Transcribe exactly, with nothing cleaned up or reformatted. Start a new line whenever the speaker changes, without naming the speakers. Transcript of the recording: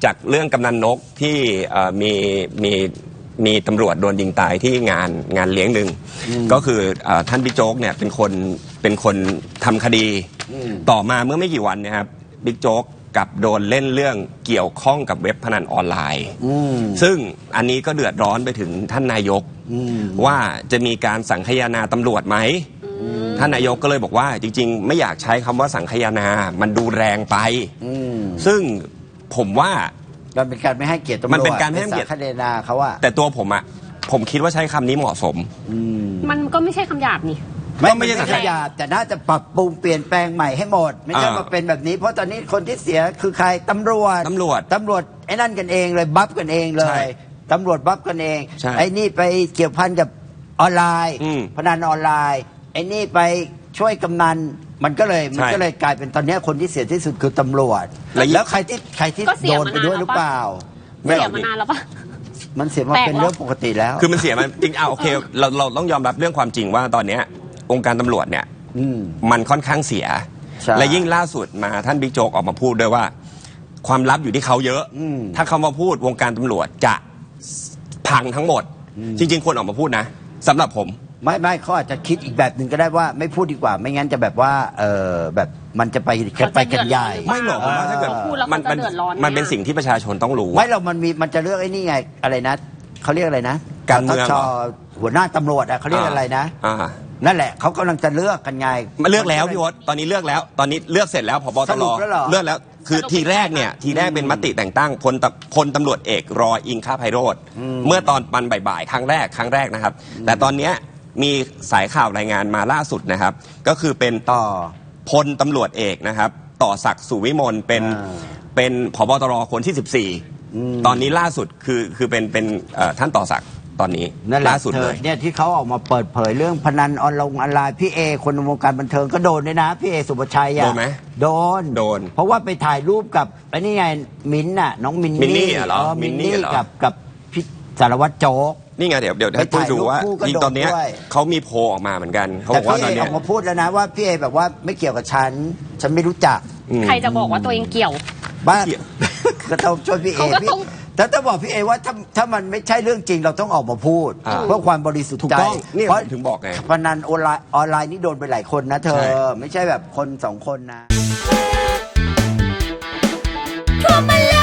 จากเรื่องกำนันนกที่มีมีมีตำรวจโดนยิงตายที่งานงานเลี้ยงหนึ่งก็คือท่านบิ๊กโจ๊กเนี่ยเป็นคนเป็นคนทำคดีต่อมาเมื่อไม่กี่วันนะครับบิ๊กโจ๊กกับโดนเล่นเรื่องเกี่ยวข้องกับเว็บพนันออนไลน์ซึ่งอันนี้ก็เดือดร้อนไปถึงท่านนายกว่าจะมีการสังคายนาตำรวจไหมท่านนายกก็เลยบอกว่าจริงๆไม่อยากใช้คำว่าสังคายนามันดูแรงไปซึ่งผมว่า
มันเป็นการไม่ให้เกียรติตำรวจ
มันเป็นการไม่ให้เกียรติ
สังคายนาเขาว่า
แต่ตัวผมอะผมคิดว่าใช้คำนี้เหมาะสม
มันก็ไม่ใช่คำหยาบนี่
ไม่ไม่ใช่ขยะแต่น่าจะปรับปรุงเปลี่ยนแปลงใหม่ให้หมดไม่ใช่มาเป็นแบบนี้เพราะตอนนี้คนที่เสียคือใครตำรวจ
ตำรวจ
ตำรวจไอ้นั่นกันเองเลยบัฟกันเองเลยตำรวจบัฟกันเองไอ้นี่ไปเกี่ยวพันกับออนไลน์พนันออนไลน์ไอ้นี่ไปช่วยกำนันมันก็เลยมันก็เลยกลายเป็นตอนนี้คนที่เสียที่สุดคือตำรวจแล้วใครที่ใครที่โดนไปด้วยหรือเปล่า
เสียมานานแล้วปะ
มันเสียมาเป็นเรื่องปกติแล้ว
คือมันเสียมันจริงอ่ะโอเคเราเราต้องยอมรับเรื่องความจริงว่าตอนนี้องค์การตำรวจเนี่ยมันค่อนข้างเสียและยิ่งล่าสุดมาท่านบิ๊กโจ๊กออกมาพูดด้วยว่าความลับอยู่ที่เขาเยอะถ้าเขามาพูดวงการตำรวจจะพังทั้งหมดจริงๆควรออกมาพูดนะสำหรับผม
ไม่ไม่เขาอาจจะคิดอีกแบบหนึ่งก็ได้ว่าไม่พูดดีกว่าไม่งั้นจะแบบว่าเออแบบมันจะไปไปกันใหญ่
ไม่หรอกผมว่าถ้าเกิดมันมันมันเป็นสิ่งที่ประชาชนต้องรู้
ไม่เรามันมีมันจะเลือกไอ้นี่ไงอะไรนะเขาเรียกอะไรนะ
การเมือง
หัวหน้าตำรวจอะเขาเรียกอะไรนะนั่นแหละเขากำลังจะเลือกกันไง
มาเลือกแล้วพี่วศตอนนี้เลือกแล้วตอนนี้เลือกเสร็จแล้วผบ.ตร.เลือกแล้วคือทีแรกเนี่ยทีแรกเป็นมติแต่งตั้งพลพลตำรวจเอกรออิงคไพโรจน์เมื่อตอนปันบ่ายๆครั้งแรกครั้งแรกนะครับแต่ตอนเนี้ยมีสายข่าวรายงานมาล่าสุดนะครับก็คือเป็นต่อพลตำรวจเอกนะครับต่อศักดิ์สุวิมลเป็นเป็นผบ.ตร.คนที่สิบสี่ตอนนี้ล่าสุดคือคือเป็นเป็นท่านต่อศักดิ์ตอนนี้ล่าสุดเลย
เนี่ยที่เขาออกมาเปิดเผยเรื่องพนันออนไลน์พี่เอคนในวงการบันเทิงก็โดนด้วยนะพี่เอสุภชัยอะ
โดนไหม
โดน
โดน
เพราะว่าไปถ่ายรูปกับไอ้นี่ไงมิ้นท์น่ะน้องมิน
นี่เหรอ
มินนี่กับกับพี่สารวัตรโจ๊ก
นี่ไงเดี๋ยวเดี๋ยวให้พูดดูว่าจริงตอนนี้เขามีโพลออกมาเหมือนกันเขาบอกว่าตอนนี้
ออกมาพูดแล้วนะว่าพี่เอแบบว่าไม่เกี่ยวกับฉันฉันไม่รู้จัก
ใครจะบอกว่าตัวเองเกี่ยว
บ้าก็ต้องช่วยพี่เอแต่ถ้าบอกพี่เอว่าถ้าถ้ามันไม่ใช่เรื่องจริงเราต้องออกมาพูดเพื่อความบริสุทธิ์ใจ
เพราะถึงบอกไง
พนันออนไลน์ออนไลน์นี่โดนไปหลายคนนะเธอไม่ใช่แบบคนสองคนนะ